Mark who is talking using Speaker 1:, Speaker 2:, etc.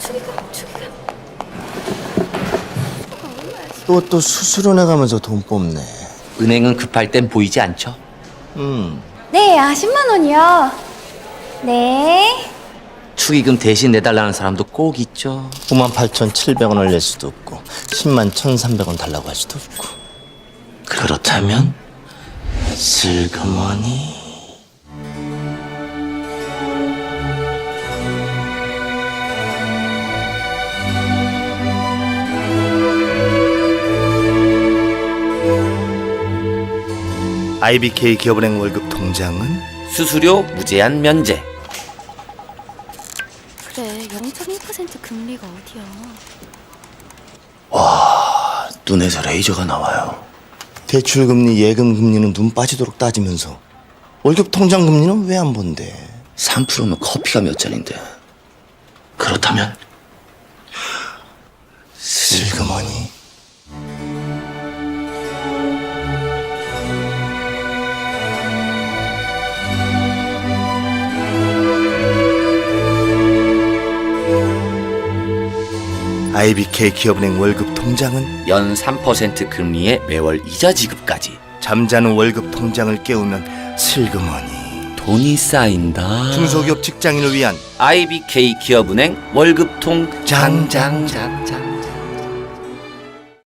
Speaker 1: 또 수수료내 가면서 돈 뽑네.
Speaker 2: 은행은 급할 땐 보이지 않죠?
Speaker 3: 네, 10만 원이요. 네.
Speaker 2: 축의금 대신 내달라는 사람도 꼭 있죠.
Speaker 1: 98,700원을 낼 수도 없고 101,300원 달라고 할 수도 없고.
Speaker 2: 그렇다면
Speaker 1: 슬그머니. IBK 기업은행 월급 통장은
Speaker 2: 수수료 무제한 면제.
Speaker 3: 그래, 0.1% 금리가 어디야?
Speaker 1: 눈에서 레이저가 나와요. 대출금리, 예금금리는 눈 빠지도록 따지면서 월급 통장 금리는 왜 안 본대?
Speaker 2: 3%면 커피가 몇 잔인데. 그렇다면
Speaker 1: 슬그머니. IBK 기업은행 월급 통장은
Speaker 2: 연 3% 금리의 매월 이자 지급까지.
Speaker 1: 잠자는 월급 통장을 깨우면 슬그머니.
Speaker 2: 돈이 쌓인다.
Speaker 1: 중소기업 직장인을 위한
Speaker 2: IBK 기업은행 월급통
Speaker 1: 장,
Speaker 2: 장장장장.